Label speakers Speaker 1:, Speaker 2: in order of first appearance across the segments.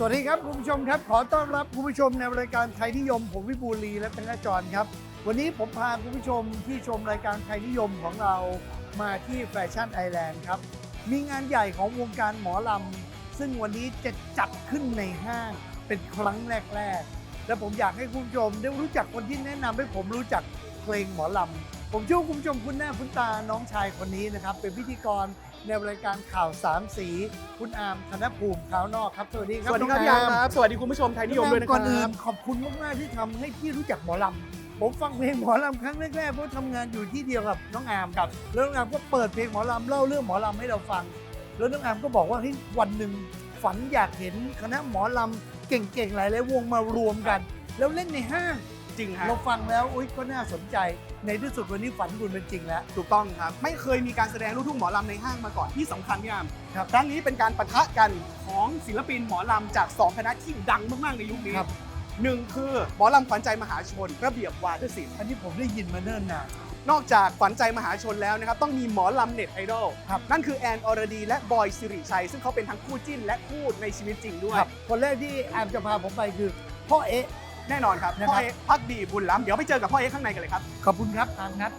Speaker 1: วัสดีครับคุณผู้ชมครับขอต้อนรับคุณผู้ชมในรายการไทยนิยมผมวิบูลย์ลีและธนจรครับวันนี้ผมพาคุณผู้ชมที่ชมรายการไทยนิยมของเรามาที่แฟชั่นไอแลนด์ครับมีงานใหญ่ของวงการหมอลำซึ่งวันนี้จะจัดขึ้นในห้างเป็นครั้งแรกและผมอยากให้คุณผู้ชมได้รู้จักคนที่แนะนำให้ผมรู้จักเพลงหมอลำผมเชื่อว่าคุณผู้ชมคุ้นหน้าคุ้นตาน้องชายคนนี้นะครับเป็นพิธีกรในรายการข่าวสามสีคุณอาร์มธนภูมิขาวนอกครับสวัสดีครับ
Speaker 2: สวัสดีครับพี่อาร์มครับสวัสดีคุณผู้ชมไทยนิยมด้วยนะค
Speaker 1: ก่
Speaker 2: รั
Speaker 1: อนอื่น
Speaker 2: บ
Speaker 1: ขอบคุณมากๆที่ทำให้พี่รู้จักหมอลำผมฟังเพลงหมอลำครั้งแรกๆเพราะทำงานอยู่ที่เดียวกับน้องอาร์มครับแล้วน้องอาร์มก็เปิดเพลงหมอลำเล่าเรื่องหมอลำให้เราฟังแล้วน้องอาร์มก็บอกว่าเฮ้ยวันหนึ่งฝันอยากเห็นคณะหมอลำเก่งๆหลายๆวงมารวมกัน แล้วเล่นในห้าง
Speaker 2: จริงฮะ
Speaker 1: เราฟังแล้วอุ๊ยก็น่าสนใจในที่สุดวันนี้ฝันคุณเป็นจริงแล้ว
Speaker 2: ถูกต้องครับไม่เคยมีการแสดงลูกทุ่งหมอลำในห้างมาก่อนที่สำคัญพี่อาร์ม
Speaker 1: ครับ
Speaker 2: ครั้งนี้เป็นการปะทะกันของศิลปินหมอลำจาก2คณะที่ดังมากๆในยุคนี้
Speaker 1: ครับ
Speaker 2: หนึ่งคือหมอลำขวัญใจมหาชนระเบียบวาทศิลป์
Speaker 1: อันนี้ผมได้ยินมาเนิ่นนาน
Speaker 2: นอกจากขวัญใจมหาชนแล้วนะครับต้องมีหมอลำเน็ตไอดอล
Speaker 1: ครับ
Speaker 2: นั่นคือแอนอรดีและบอยสิริชัยซึ่งเขาเป็นทั้งคู่จิ้นและคู่ในชีวิตจริงด้วย
Speaker 1: ครับคนแรกที่อาร์มจะพาผมไปคือพ่อเอ๊ะ
Speaker 2: แน่นอนครับ
Speaker 1: นะครับ
Speaker 2: พ่อเอ๊ะพักดีบุญล้ำเดี๋ยวไปเจอกับพ่อเอ๊ะข้างในกันเลยครับ
Speaker 1: ขอบคุณครับอาร์มครับ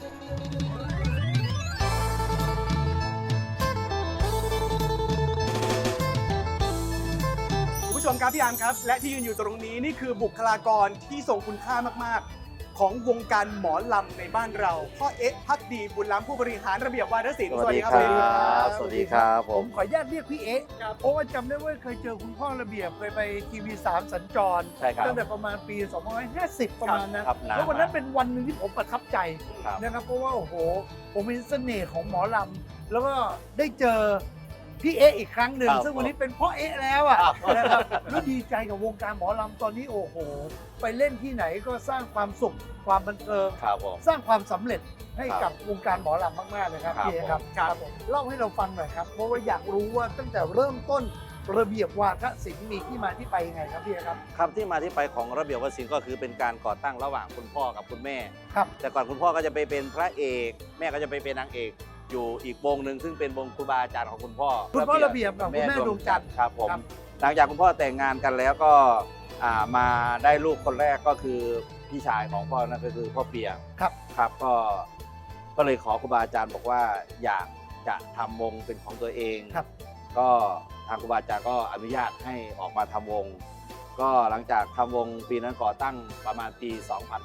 Speaker 2: คุณผู้ชมครับพี่อาร์มครับและที่ยืนอยู่ตรงนี้นี่คือบุคลากรที่ทรงคุณค่ามากๆ ของวงการหมอลำในบ้านเราพ่อเอ๊ะพักดีบุญล้ำผู้บริหารระเบียบวาทศิลป์
Speaker 3: สวัสดีครับสวัสดีครับผ
Speaker 1: ผม มขออนุญาตเรียกพี่เอ๊ะ
Speaker 2: ครับ
Speaker 1: เพราะว่าจำได้ว่าเคยเจอคุณพ่อระเบียบเคยไปทีวี3สัญจร
Speaker 3: ใช่ครับ
Speaker 1: ตั้งแต่ประมาณปี2550ประมาณนะครับ
Speaker 3: นาน
Speaker 1: แล้ววันนั้น
Speaker 3: มาก
Speaker 1: เป็นวันหนึ่งที่ผมประทับใจ
Speaker 3: ครับ
Speaker 1: นะครับเพราะว่าโอ้โหผมเห็นเสน่ห์ของหมอลำแล้วก็ได้เจอพี่เอ๊ะอีกครั้งหนึ่ง
Speaker 3: ครับ
Speaker 1: ซึ่งวันนี้เป็นพ่อเอ๊ะแล้วอ่ะ
Speaker 3: ครับ
Speaker 1: นะครับแล้วดีใจกับวงการหมอลำตอนนี้โอ้โห ไปเล่นที่ไหนก็สร้างความสุขความบันเทิง
Speaker 3: ครับผม
Speaker 1: สร้างความสำเร็จให้
Speaker 3: ครับ
Speaker 1: กับวงการหมอลำมากๆเลยครับ
Speaker 3: ครับ
Speaker 1: พี่เอ๊ะครับ
Speaker 2: ผมครับ
Speaker 1: ผมเล่าให้เราฟังหน่อยครับเพราะว่าอยากรู้ว่าตั้งแต่เริ่มต้นระเบียบวาทศิลป์มีที่มาที่ไปยังไงครับพี่เอ๊ะครับ
Speaker 3: คำที่มาที่ไปของระเบียบวศิลป์ก็คือเป็นการก่อตั้งระหว่างคุณพ่อกับคุณแม่
Speaker 1: ครับ
Speaker 3: แต่ก่อนคุณพ่อก็จะไปเป็นพระเอก แม่ก็จะไปเป็นนางเอกอยู่อีกวงหนึ่งซึ่งเป็นวงครูบาอาจารย์ของคุณพ่อ
Speaker 1: คุณพ่อระเบียบกับคุณแม่ดวงจันทร์
Speaker 3: ครับผม
Speaker 1: ครับ
Speaker 3: หลังจากคุณพ่อแต่งงานกันแล้วก็มาได้ลูกคนแรกก็คือพี่ชายของพ่อนั่นก็คือพ่อเปีย
Speaker 1: ครับ
Speaker 3: ครับก็เลยขอครูบาอาจารย์บอกว่าอยากจะทำวงเป็นของตัวเอง
Speaker 1: ครับ
Speaker 3: ก็ทางครูบาอาจารย์ก็อนุญาตให้ออกมาทำวง ก็หลังจากทำวงปีนั้นก่อตั้งประมาณปี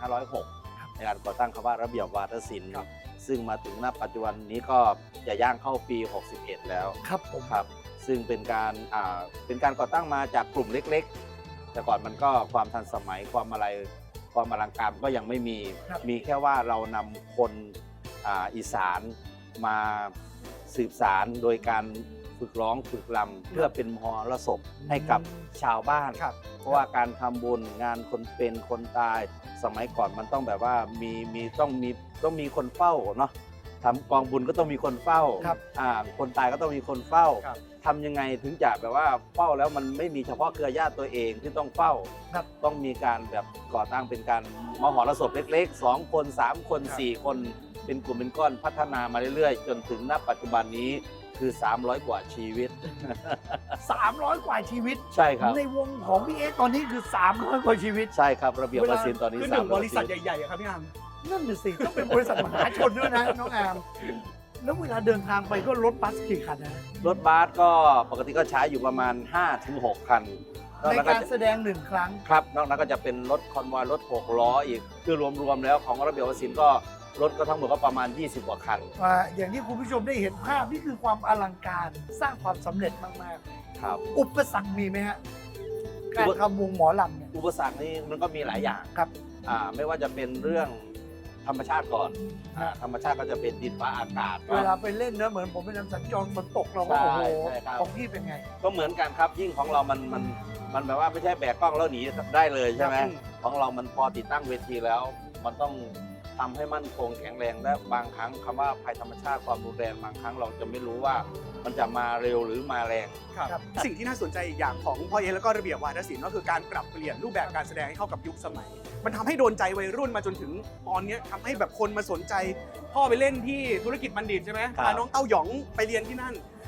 Speaker 3: 2506 ในการก่อตั้งคำว่าระเบียบวาทศิลป์
Speaker 1: ครับ
Speaker 3: ซึ่งมาถึงณปัจจุบันนี้ก็จะย่างเข้าปี 61 แล้ว
Speaker 1: ครับผม
Speaker 3: ครับซึ่งเป็นการก่อตั้งมาจากกลุ่มเล็กๆ แต่ก่อนมันก็ความทันสมัยความอลังการก็ยังไม่มี
Speaker 1: ครับ
Speaker 3: มีแค่ว่าเรานำคนอีสานมาสืบสารโดยการฝึกร้องฝึกรำเพื่อเป็นมหรสพให้กับชาวบ้าน
Speaker 2: ครับ
Speaker 3: เพราะว่าการทำบุญงานคนเป็นคนตายสมัยก่อนมันต้องแบบว่าต้องมีคนเฝ้าเนาะทำกองบุญก็ต้องมีคนเฝ้า
Speaker 1: ครับ
Speaker 3: คนตายก็ต้องมีคนเฝ้า
Speaker 2: ครับ
Speaker 3: ทำยังไงถึงจะแบบว่าเฝ้าแล้วมันไม่มีเฉพาะเครือญาติตัวเองที่ต้องเฝ้า
Speaker 1: ครับ
Speaker 3: ต้องมีการแบบก่อตั้งเป็นการมหรสพเล็กๆ2 คน 3 คน 4 คนเป็นกลุ่มเป็นก้อนพัฒนามาเรื่อยๆ จนถึงณปัจจุบันนี้คือ300 กว่าชีวิต
Speaker 1: 300 กว่าชีวิต
Speaker 3: ใช่ครับ
Speaker 1: ในวงของพี่เอ๊ะตอนนี้คือ 300 กว่าชีวิต
Speaker 3: ใช่ครับระเบียบวศิลป์ตอนนี้
Speaker 2: คือหนึ่ง
Speaker 3: 300
Speaker 2: บริษัท
Speaker 3: ชีวิต
Speaker 2: ใหญ่ๆอะครับพี่อาร์ม
Speaker 1: นั่นน่ะสิต้องเป็นบริษัทมหาชนด้วยนะ น้องอามแล้วเวลาเดินทางไปก็รถบัสกี่คันนะ
Speaker 3: รถบัสก็ปกติก็ใช้อยู่ประมาณ 5-6 คันนอก
Speaker 1: ใน
Speaker 3: นั้นก็
Speaker 1: การ
Speaker 3: จะ
Speaker 1: แสดงหนึ่งครั้ง
Speaker 3: ครับนอกนั้นก็จะเป็นรถคอนวอยรถ6 ล้ออีกคือรวมๆแล้วของระเบียบวศิลป์ก็รถก็ทั้งหมดก็ประมาณ 20 กว่าคัน
Speaker 1: อย่างที่คุณผู้ชมได้เห็นภาพนี่คือความอลังการสร้างความสำเร็จมาก
Speaker 3: ครับ
Speaker 1: ๆ อุปสรรคมีไหมฮะการทำวงหมอลำเนี่ย
Speaker 3: อุปสรรคนี่มันก็มีหลายอย่าง
Speaker 1: ครับ
Speaker 3: ไม่ว่าจะเป็นเรื่องธรรมชาติก่อน
Speaker 1: ครับ
Speaker 3: ธรรมชาติก็จะเป็นดินฟ้าอากาศ
Speaker 1: เวลาไปเล่นนะเหมือนผมไปนำสัญจรฝนตกเราก็โอ้โห
Speaker 3: ใช่ครับ
Speaker 1: ของพี่เป็นไง
Speaker 3: ก็เหมือนกันครับยิ่งของเรามันแบบว่าไม่ใช่แบกกล้องแล้วหนีได้เลยใช่ไหม
Speaker 2: ครับ
Speaker 3: ของเรามันพอติดตั้งเวทีแล้ว มันต้องทำให้มั่นคงแข็งแรงและบางครั้งคำว่าภัยธรรมชาติความรุนแรงบางครั้งเราจะไม่รู้ว่ามันจะมาเร็วหรือมาแรง
Speaker 1: ครับ
Speaker 2: สิ่งที่น่าสนใจอีกอย่างของพ่อเอ๊ะแล้วก็ระเบียบวาทศิลป์ก็คือการปรับเปลี่ยนรูปแบบการแสดงให้เข้ากับยุคสมัย มันทำให้โดนใจวัยรุ่นมาจนถึงตอนนี้ทำให้แบบคนมาสนใจ พ่อไปเล่นที่ธุรกิจบัณฑิตใช่ไหม
Speaker 3: ครับ
Speaker 2: พาน้องเต้าหยองไปเรียนที่นั่น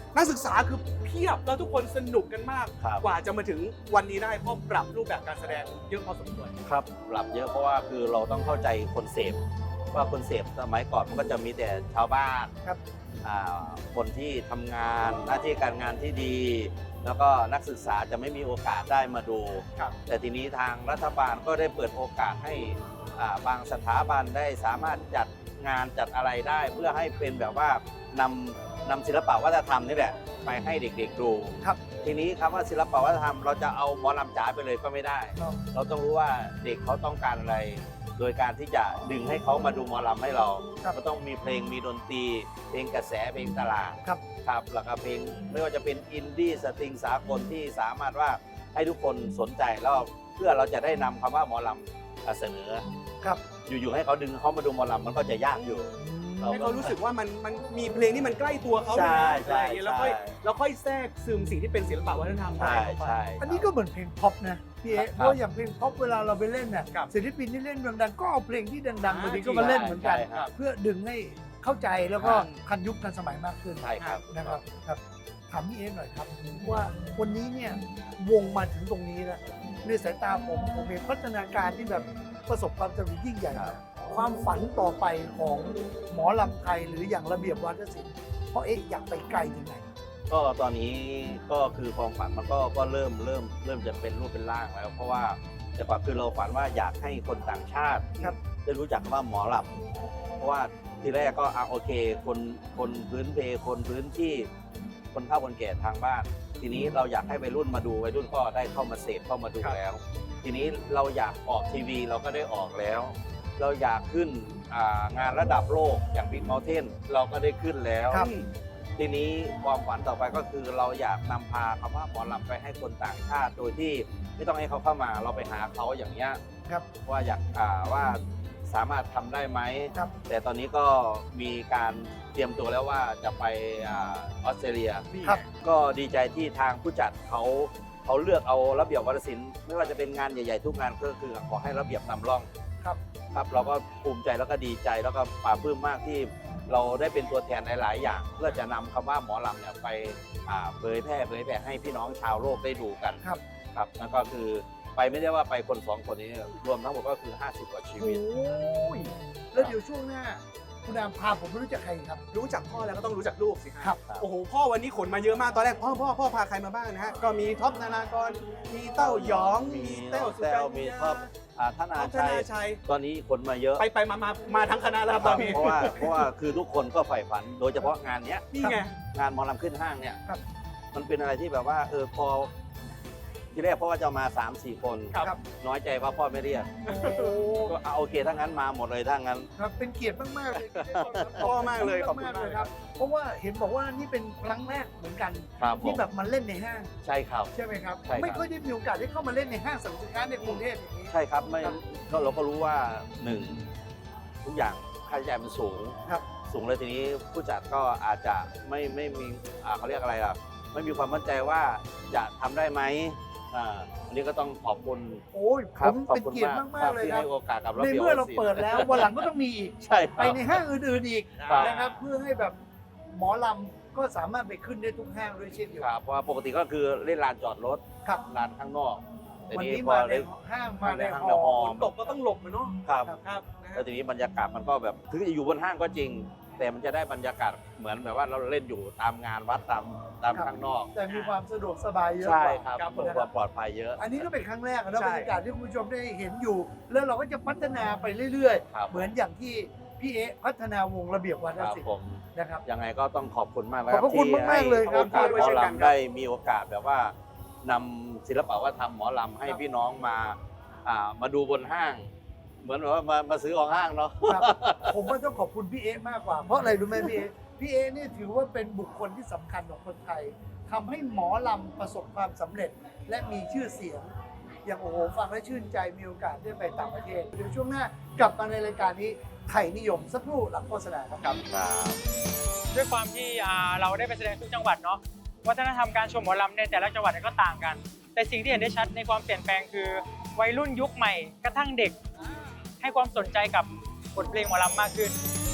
Speaker 2: นักศึกษาคือเพียบแล้วทุกคนสนุกกันมาก
Speaker 3: ครับ
Speaker 2: กว่าจะมาถึงวันนี้ได้เพราะปรับรูปแบบการแสดงเยอะพอสมควร
Speaker 3: ครับปรับเยอะเพราะว่าคือเราต้องเข้าใจคนเสพว่าคนเสพสมัยก่อนมันก็จะมีแต่ชาวบ้าน
Speaker 1: ครับ
Speaker 3: คนที่ทำงานหน้าที่การงานที่ดี แล้วก็นักศึกษาจะไม่มีโอกาสได้มาดู
Speaker 2: ครับ
Speaker 3: แต่ทีนี้ทางรัฐบาลก็ได้เปิดโอกาสให้บางสถาบันได้สามารถจัดงานจัดอะไรได้ เพื่อให้เป็นแบบว่านำศิลปะวัฒนธรรมนี่แหละไปให้เด็กๆดู
Speaker 1: ครับ
Speaker 3: ทีนี้คำว่าศิลปะวัฒนธรรมเราจะเอาหมอลำจ๋าไปเลยก็ไม่ได้
Speaker 1: ครับ
Speaker 3: เราต้องรู้ว่าเด็กเขาต้องการอะไร โดยการที่จะดึงให้เขามาดูหมอลำให้เรา
Speaker 1: ครับ
Speaker 3: ก็ต้องมีเพลงมีดนตรีเพลงกระแสเพลงตลาด
Speaker 1: ครับ
Speaker 3: ครับแล้วก็เพลงไม่ว่าจะเป็นอินดี้สตริงสากลที่สามารถว่าให้ทุกคนสนใจแล้วเพื่อเราจะได้นำคำว่าหมอลำเสนอ
Speaker 1: ครับ
Speaker 3: อยู่ๆให้เขาดึงเขามาดูหมอลำมันก็จะยากอยู่
Speaker 2: ให้เขารู้สึกว่ามันมีเพลงที่มันใกล้ตัวเขา
Speaker 3: ใช่
Speaker 2: เลยนะ
Speaker 3: ใช่
Speaker 2: อะไรอย่างเงี้ยแล้วค่อยแทรกซึมสิ่งที่เป็นศิลปะวัฒนธรรม
Speaker 3: ใช่
Speaker 2: เข้าไป
Speaker 3: ใช่
Speaker 1: อันนี้ก็เหมือนเพลงพ็อปนะพี่เอ๊ะ
Speaker 3: ครับ
Speaker 1: เพราะอย่างเพลงพ็อปเวลาเราไปเล่นเนี่ย
Speaker 2: ครับ
Speaker 1: ศิลปินที่เล่นดังๆก็เอาเพลงที่ดังๆ
Speaker 2: อ่า
Speaker 1: บางทีก็มาเล่นเหมือนกัน
Speaker 3: ใช่ครับ
Speaker 1: เพื่อดึงให้เข้าใจแล้วก็
Speaker 3: ครับ
Speaker 1: ทันยุคทันสมัยมากขึ้น
Speaker 3: ใช่ครับ
Speaker 1: นะครับครับถามพี่เอ๊ะหน่อยครับว่าวันนี้เนี่ยวงมาถึงตรงนี้แล้วในสายตาผมเห็นพัฒนาการที่แบบประสบความสำเร็จยิ่งใหญ่
Speaker 3: ครับ
Speaker 1: ความฝันต่อไปของหมอลำไทยหรืออย่างระเบียบวาทศิลป์เพราะเอ๊ะอยากไปไกลถึงไหน
Speaker 3: ก็ตอนนี้ก็คือความฝันมันก็เริ่มจะเป็นรูปเป็นร่างแล้ว เพราะว่าแต่ก่อนคือเราฝันว่าอยากให้คนต่างชาติ
Speaker 1: ครับ
Speaker 3: ได้รู้จักคำว่าหมอลำเพราะว่าทีแรกก็โอเคคนพื้นเพคนพื้นที่คนเฒ่าคนแก่ทางบ้าน ทีนี้เราอยากให้วัยรุ่นมาดูวัยรุ่นก็ได้เข้ามาเสพเข้ามาดู
Speaker 2: ครับ
Speaker 3: แล้ว ทีนี้เราอยากออกทีวีเราก็ได้ออกแล้ว เราอยากขึ้นงานระดับโลกอย่าง Big Mountain เราก็ได้ขึ้นแล้ว
Speaker 1: ครับ
Speaker 3: ทีนี้ความฝันต่อไปก็คือเราอยากนำพาคำว่าหมอลำไปให้คนต่างชาติ โดยที่ไม่ต้องให้เขาเข้ามาเราไปหาเขาอย่างเงี้ย
Speaker 1: ครับ
Speaker 3: ว่าอยากว่าสามารถทำได้ไหม
Speaker 1: ครับ
Speaker 3: แต่ตอนนี้ก็มีการเตรียมตัวแล้วว่าจะไปออสเตรเลีย
Speaker 2: นี่
Speaker 1: ครับ
Speaker 3: ก็ดีใจที่ทางผู้จัดเขาเลือกเอาระเบียบวัฒนศิลป์ไม่ว่าจะเป็นงานใหญ่ๆทุกงานก็คือขอให้ระเบียบนำร่อง
Speaker 1: ครับ
Speaker 3: ครับเราก็ภูมิใจแล้วก็ดีใจแล้วก็ปลาปลื้มมากที่เราได้เป็นตัวแทนหลายๆอย่าง เพื่อจะนำคำว่าหมอลำเนี่ยไปเผยแพร่ให้พี่น้องชาวโลกได้ดูกัน
Speaker 1: ครับ
Speaker 3: ครับนั่นก็คือไปไม่ได้ว่าไปคนสองคนนี้รวมทั้งหมดก็คือ50 กว่าชี
Speaker 1: โอ้
Speaker 3: วิต
Speaker 1: ยแล้วเดี๋ยวช่วงหน้า คุณอามพาผมไปรู้จักใครครับ
Speaker 2: รู้จักพ่อแล้วก็ต้องรู้จักลูกสิฮะ
Speaker 1: ครับ
Speaker 2: โอ้โหพ่อวันนี้ขนมาเยอะมากตอนแรกพ่อพาใครมาบ้างนะฮะก็มีท็อปนานากรมีเต้าหยองมีเต้าสุกัญ
Speaker 3: มี
Speaker 2: ญา
Speaker 3: ท็อปธนา
Speaker 2: ท็อปธ
Speaker 3: ชัย
Speaker 2: นาชัย
Speaker 3: ตอนนี้คนมาเยอะ
Speaker 2: ไปมาทั้งคณะแล้วครับตอนนี้
Speaker 3: เพราะว่าคือทุกคนก็ใฝ่ฝัน โดยเฉพาะงานเนี้ย
Speaker 2: นี่ไง
Speaker 3: งานหมอลำขึ้นห้างเนี่ย
Speaker 1: ครับ
Speaker 3: มันเป็นอะไรที่แบบว่าพอทีแรกพ่อว่าจะมา 3-4 คน
Speaker 2: ครับ
Speaker 3: น้อยใจว่าพ่อไม่เรียก
Speaker 1: โอ้
Speaker 3: ก็โอเคถ้างั้นมาหมดเลยถ้างั้น
Speaker 1: ครับเป็นเกียรติมากๆเลย
Speaker 2: พ่อมากเลยขอบคุณ
Speaker 1: มาก
Speaker 2: มา
Speaker 1: เล
Speaker 2: ก
Speaker 1: ยครับ เพราะว่าเห็นบอกว่านี่เป็นครั้งแรกเหมือนกัน
Speaker 3: ครับผม
Speaker 1: ที่แบบมาเล่นในห้าง
Speaker 3: ใช่ครับ
Speaker 1: ใช่ไหมครับ
Speaker 3: ใช่ครับ
Speaker 1: ไม่ค่อยได้มีโอกาสได้เข้ามาเล่นในห้างสรรพสินค้าในกรุงเทพอย่างนี้
Speaker 3: ใช่ครับไม่
Speaker 1: ครับ
Speaker 3: ก็เราก็รู้ว่าหนึ่งทุกอย่างค่าใช้จ่ายมันสูง
Speaker 1: ครับ
Speaker 3: สูงเลยทีนี้ผู้จัดก็อาจจะไม่มีเขาเรียกอะไรล่ะไม่มีความมั่นใจว่าจะทำได้ไหมอันนี้ก็ต้องขอบคุณ
Speaker 1: โอ้ย
Speaker 3: ค
Speaker 1: ผ
Speaker 3: รับ
Speaker 1: ม
Speaker 3: ขอบ
Speaker 1: เป็น
Speaker 3: คุณ
Speaker 1: เกียรติ
Speaker 3: มาก
Speaker 1: มากๆเลย
Speaker 3: ที่
Speaker 1: ครับ
Speaker 3: ให้โอกาสกับระ
Speaker 1: ใน
Speaker 3: เบียบ
Speaker 1: เมื่อเรา
Speaker 3: ศิลป์
Speaker 1: เปิดแล้ววันหลังก็ต้องมีอีก
Speaker 3: ใช่ค
Speaker 1: ไป
Speaker 3: รับ
Speaker 1: ในห้างอื่นๆอีก
Speaker 3: ครับ
Speaker 1: นะครับเพื่อให้แบบหมอลำก็สามารถไปขึ้นได้ทุกห้างด้วยเช่นเดียว
Speaker 3: ค
Speaker 1: กัน
Speaker 3: รับเพราะว่าปกติก็คือเล่นลานจอดรถ
Speaker 1: ครับ
Speaker 3: ลานข้างนอกแต่
Speaker 1: วัน
Speaker 3: นี้
Speaker 1: นี้
Speaker 3: พอ
Speaker 1: มาใน
Speaker 3: เล่น
Speaker 1: ห้างมาใน
Speaker 3: ห้าง
Speaker 1: ห
Speaker 3: ในฮอ
Speaker 1: อ
Speaker 2: ฝนตกก็ต้องหลบมันเนาะ
Speaker 3: ครับ
Speaker 2: ครับนะ
Speaker 3: แล้
Speaker 2: ฮะ
Speaker 3: วทีนี้บรรยากาศมันก็แบบถึงจะอยู่บนห้างก็จริง แต่มันจะได้บรรยากาศเหมือนแบบว่าเราเล่นอยู่ตามงานวัดตามข้างนอก
Speaker 1: แต่มีความสะดวกสบายเยอะ
Speaker 3: ใช่
Speaker 1: กว่า
Speaker 3: ครับเพื่อความปลอดภัยเยอะ
Speaker 1: อันนี้ก็เป็นครั้งแรกนะ
Speaker 2: ใช่
Speaker 1: บรรยากาศที่คุณผู้ชมได้เห็นอยู่ แล้วเราก็จะพัฒนาไปเรื่อย
Speaker 3: ครับ
Speaker 1: ๆ เหมือนอย่างที่พี่เอ๊ะพัฒนาวงระเบียบวาท
Speaker 3: ครับ
Speaker 1: ศิล
Speaker 3: ผ
Speaker 1: ป์
Speaker 3: ม
Speaker 1: นะครับ
Speaker 3: ยังไงก็ต้องขอบคุณมากนะ
Speaker 1: ขอบพระคุณมากๆเลยครับ
Speaker 3: ที่ให้โอกาสหมอลำได้มีโอกาสแบบว่านำศิลปะวัฒนธรรมหมอลำให้พี่น้องมาดูบนห้าง เหมือนแบบว่ามาซื้อของห้างเนาะ
Speaker 1: ครับผมว่าต้องขอบคุณพี่เอ๊ะมากกว่า เพราะอะไรรู้ไหมพี่เอ๊ะพี่เอ๊ะนี่ถือว่าเป็นบุคคลที่สำคัญของคนไทยทำให้หมอลำประสบความสำเร็จ และมีชื่อเสียง อย่างโอ้โหฟังแล้วชื่นใจมีโอกาสได้ไปต่างประเทศเดี๋ยวช่วงหน้ากลับมาในรายการนี้ไทยนิยมสักครู่หลังโฆษณาครับ
Speaker 4: ด้วยความที่เราได้ไปแสดงทุกจังหวัดเนาะวัฒนธรรมการชมหมอลำในแต่ละจังหวัดก็ต่างกัน แต่สิ่งที่เห็นได้ชัดในความเปลี่ยนแปลงคือวัยรุ่นยุคใหม่กระทั่งเด็ก ให้ความสนใจกับบทเพลงหมอลำมากขึ้น